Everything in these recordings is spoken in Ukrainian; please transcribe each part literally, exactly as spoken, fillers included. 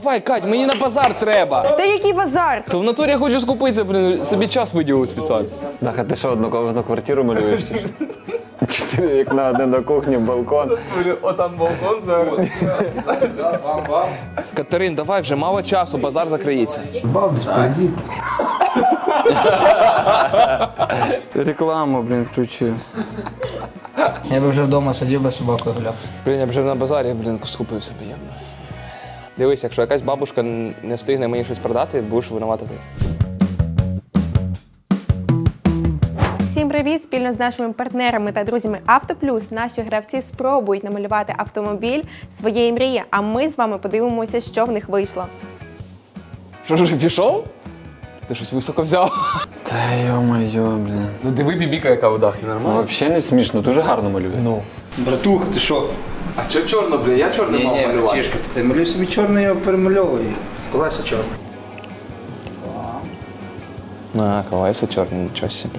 давай, Кать, мені на базар треба. Та який базар? То в натурі я хочу скупитися, блін, собі час виділив спеціально. Даха, ти що, однокомнатну квартиру малюєш? чи що? Чотири вікна, один на кухні, балкон. Отам балкон зараз. Катерин, давай вже мало часу, базар закриється. Бабусь, пойди. Рекламу, блін, включив. Я би вже вдома сидів би собакою гуляв. Блін, я вже на базарі, блін, скупився приємно. Дивись, якщо якась бабушка не встигне мені щось продати, будеш винувати ти. Всім привіт! Спільно з нашими партнерами та друзями Автоплюс наші гравці спробують намалювати автомобіль своєї мрії, а ми з вами подивимося, що в них вийшло. Що ж, пішов? Ти щось високо взяв. Та йо-моє, блін. Ну диви бібіка, яка вода, нормально? Взагалі не смішно, дуже гарно малює. Ну. Братух, ти що? А чого чорно, блін? Я чорний мав малювати. братішка, ти малюй собі чорний, я перемальовую. Колеса чорні. А, колеса чорні, нічого собі.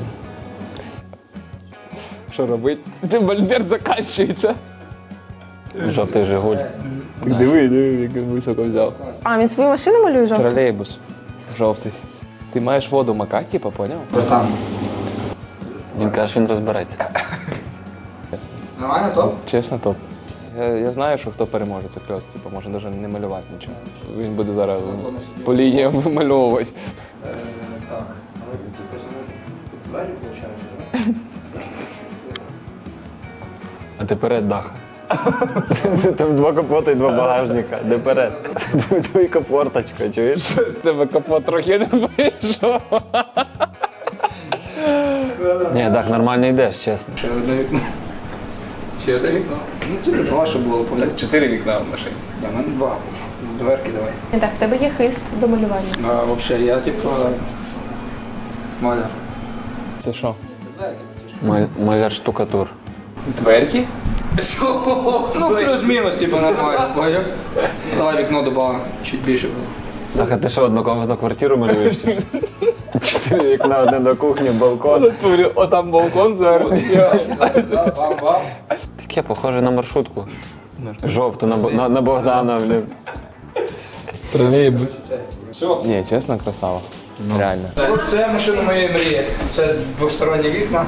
Що робить? Ти мольберт закінчується. Жовтий Жигуль. Диви, диви, як він високо взяв. А, він свою машину малює жовту? Тролейбус. Жовтий. Ти маєш воду макати, типа, поняв? Братан. Він каже, він розбереться. Чесно. Нормально топ? Чесно, топ. Я, я знаю, що хто переможе, це кльос, типу, може навіть не малювати нічого. Він буде зараз по лініям вимальовувати. Так. А ти перед, Даха. Там два капота і два багажника. Де перед? Двійка форточка, чуєш? З тебе капот трохи не вийшов. Ні, Дах, нормально йдеш, чесно. Ще одне вікно. Ще одне вікно? Ну, тільки два, щоб було по. Так, чотири вікна в машині. Я в мене два. Дверки давай. Так, в тебе є хист до малювання. А взагалі, я типу... Маляр. Це що? Маль- Маляр штукатур. Дверки? Ну, плюс-мінус, типу, нормально. Поняв? Давай вікно добавимо, чуть більше було. Даха, ти що, однокомнатну квартиру малюєш? чи що? Чотири вікна, один на кухні, балкон. Отам балкон зараз. Бам-бам. Таке, похоже на маршрутку. Жовту, на, Бо- на, на Богдана, блін. Тролейбус. Ні, чесно, красава. Реально. От це машина моєї мрії. Це двосторонні вікна.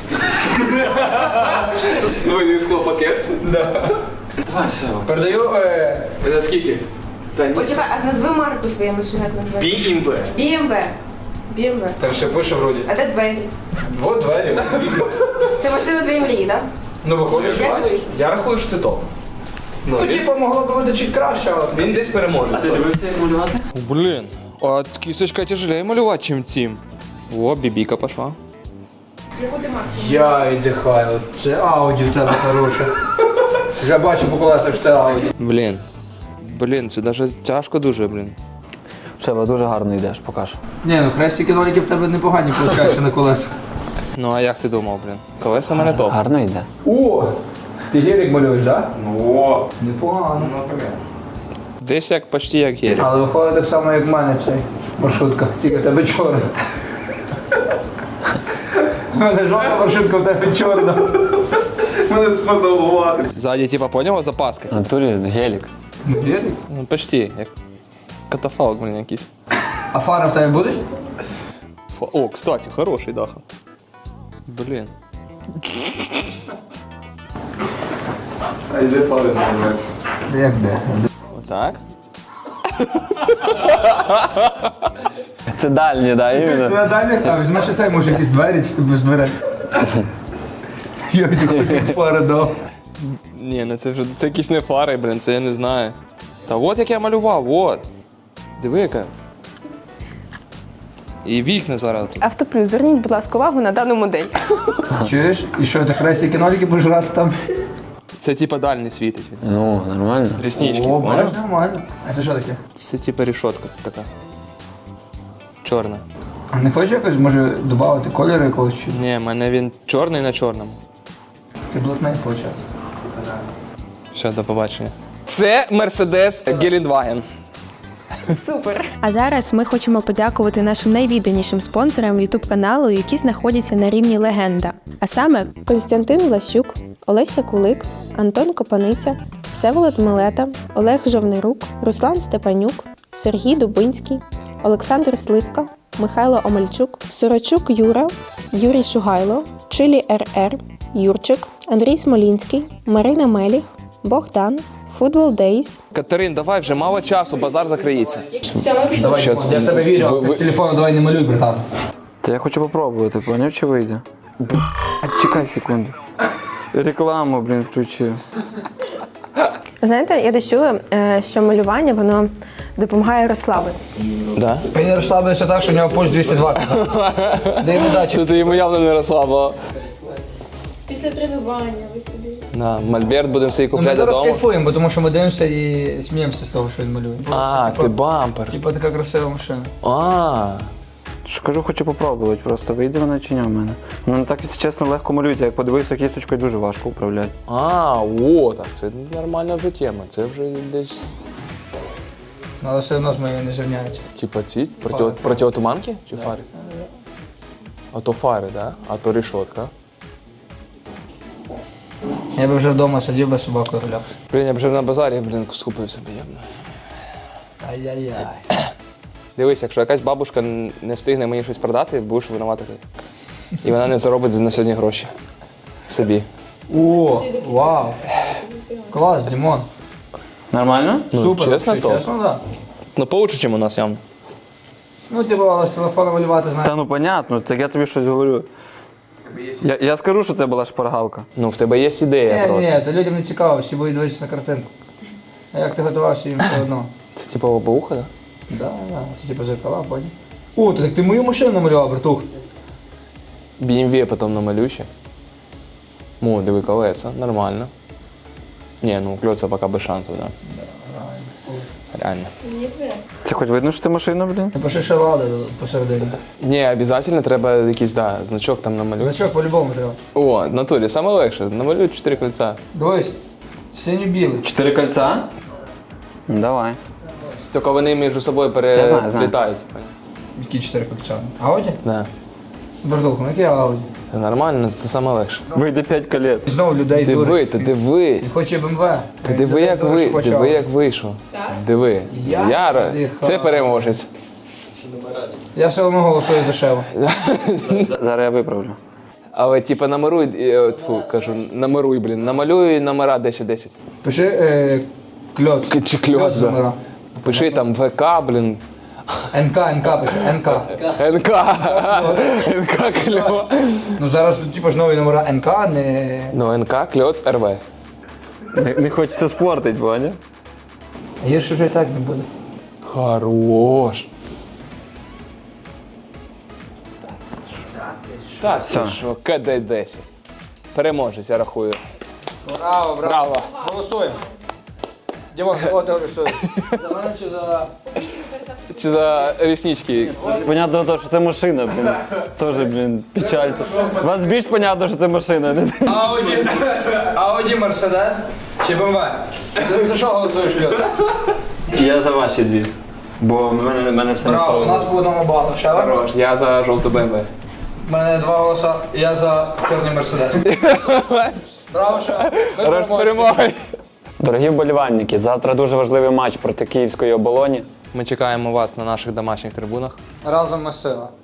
Двойний склопакет. Давай, все. Передаю е, За скільки? Почекай, а назви марку своєї машини, як називається? бі ем ве. бі ем ве. бі ем ве. там все пише вроді. А де двері? Двох двері. Це машина твоєї мрії, так? Ну виходить, що Як бачиш. вийшло? Я рахую, що це топ. Ну, типу, могло б бути чуть краще, але... Він десь переможе. Ти дивився, як малювати? Блін, а кісточка тяжелее малювати, чим цим. О, бібіка пішла. Яку ти марку? Я віддихаю. Це ауді в тебе хороше. Вже бачу по колесах, що це ауді. Блін. Блін, це навіть тяжко дуже, блін. Шева, дуже гарно йдеш, покажу. Ні, ну хрестики ноліки в тебе непогані виходять на колесах. Ну а як ти думав, блін? Колеса в мене топ. Гарно йде. О! Ти гелік малюєш, так? О! Непогано. Десь як почти як гелік. Але виходить так само, як в мене цей маршрутка. Тільки в тебе чорна. У мене жовта маршрутка, в тебе чорна. Мене сподобувати. Ззаді, типа, поняла, запаска? В натурі гелік. Ну, гелік? Ну, почти, як катафалк, блін, якийсь. А фара в тебе буде? Фа- О, кстати, хороший даха. Блін. А йде фари не Як де? Отак? Це дальні, да, іменно. На дальніх, а візьмеш оцей, може якісь двері, чи ти без дверей? Я такої фари дав. Ні, ну це вже це якісь не фари, блін, це я не знаю. Та от як я малював, от. Диви яка. І вікна зараз тут. Автоплюс, зверніть, будь ласка, увагу на дану модель. Чуєш? І що, ти хрестики ноліки будеш грати там? Це типа дальний світить. він. Ну, нормально. Ріснички, О, поняв? бачиш, нормально. А це що таке? Це типа рішотка така. Чорна. А не хочеш якось, може, додати кольори якогось чи? Ні, в мене він чорний на чорному. Ти блатний почав. Все, до побачення. Це Mercedes Гелендваген. Супер! А зараз ми хочемо подякувати нашим найвідданішим спонсорам ютуб каналу, які знаходяться на рівні легенда. А саме Костянтин Влащук, Олеся Кулик, Антон Копаниця, Всеволод Милета, Олег Жовнирук, Руслан Степанюк, Сергій Дубинський, Олександр Сливка, Михайло Омельчук, Сорочук Юра, Юрій Шугайло, Чилі РР, Юрчик, Андрій Смолінський, Марина Меліх, Богдан, Футбол Дейс. Катерин, давай вже мало часу, базар закриється. Давай, Що я це? в тебе вірю, Ви- ви- з телефону давай не малюй, братан. Та я хочу попробувати, поняв, чи вийде? А чекай секунду. Рекламу, блін, включив. Знаєте, я десь чула, е, що малювання воно допомагає розслабитись. Да? Він розслабився так, що у нього пульс двісті двадцять. Дай йому дачу. Тут йому явно не розслабило. Після тренування ви собі. На Мольберт будемо собі Ну, ми купляти зараз додому. кайфуємо, бо тому що ми дивимося і сміємося з того, що він малює. А, це бампер. Типа така красива машина. А, Ж кажу, хочу попробувати, просто вийде вона чи ні в мене. Вона не так, якщо чесно, легко малюється. Як подивився кісточкою, дуже важко управляти. а, о, так, це нормальна вже тема. Це вже десь, Ну, але все одно з моєю не зрівняється. типа ці, проти, протиотуманки чи фари? А то фари, да? А то рішотка. Я би вже вдома сидів би собакою гуляв. Блін, я б вже на базарі, блін, скупився б явно. Ай-яй-яй. Дивись, якщо якась бабушка не встигне мені щось продати, будеш винувати ти. І вона не заробить на сьогодні гроші. Собі. О, вау. Клас, Дімон. Нормально? Ну, Супер. чесно, вообще, то. Чесно, да. Ну, получше, чим у нас явно. Ну, типу, але з телефону малювати, знаєш. Та ну понятно, так я тобі щось говорю. Я, я скажу, що це була шпаргалка. Ну, в тебе є ідея Ні, просто. ні, то людям не цікаво, всі будуть дивитися на картинку. А як ти готувався, їм все одно. Це типу лобоуха, да? Да, да, це типу зеркала, понял. О, то так ти мою машину намалював, братух. бі ем ві потім намалюй ще. О, диви, колеса, нормально. Ні, ну кльоца поки без шансів, да. Реально. Це хоч видно, що це машина, блін? Напиши ще лада посередині. Ні, обов'язково треба якийсь, да, значок там намалювати. Значок по-любому треба. О, в натурі, саме легше, намалюй чотири кольця. Дивись, синьо-білий. Чотири кольця? Давай. Тільки вони між собою Я знаю, знаю. переплітаються. Які чотири копчани? Ауді? Да. Братух, ну який Ауді? Це нормально, це саме легше. Вийде п'ять колець. І знову людей Диви, дурить. ти дивись. Він хоче БМВ. Ти диви, як ви, диви, як вийшов. Диви. Я Яра, дихаю. це переможець. Я все одно голосую за Шеву. Зараз я виправлю. Але типа намаруй, е, тьфу, кажу, намаруй, блін, намалюй номера десять десять. Пиши е, кльоц. К- Чи кльоц, да. номера. Пиши там ВК, блін, НК, НК пиши, НК. НК, НК кльо. Ну зараз типу ж нові номера НК, не... Ну, НК, кльоц, РВ. Не, не хочеться спортити, поняв? Гірше вже і так не буде. Хорош. Так, Все. ти що, КД десять. Переможець, я рахую. Браво, Браво. Голосуємо. Дімон, за кого ти голосуєш? За мене чи за... Чи за ріснички? Понятно, то, що це машина, блін. Тоже, блін, печаль. Вас більш понятно, що це машина. не? Ауді, Ауді, Мерседес чи БМВ? За, за що голосуєш, Кльоц? Я за ваші дві. Бо в мене, в мене все не Браво, у нас по одному балу. Шева? Хорош, я за жовту БМВ. У мене два голоса, я за чорний Мерседес. Браво, Шева. Ви Хорош з переможці. перемогою. Дорогі вболівальники, завтра дуже важливий матч проти Київської оболоні. Ми чекаємо вас на наших домашніх трибунах. Разом ми сила.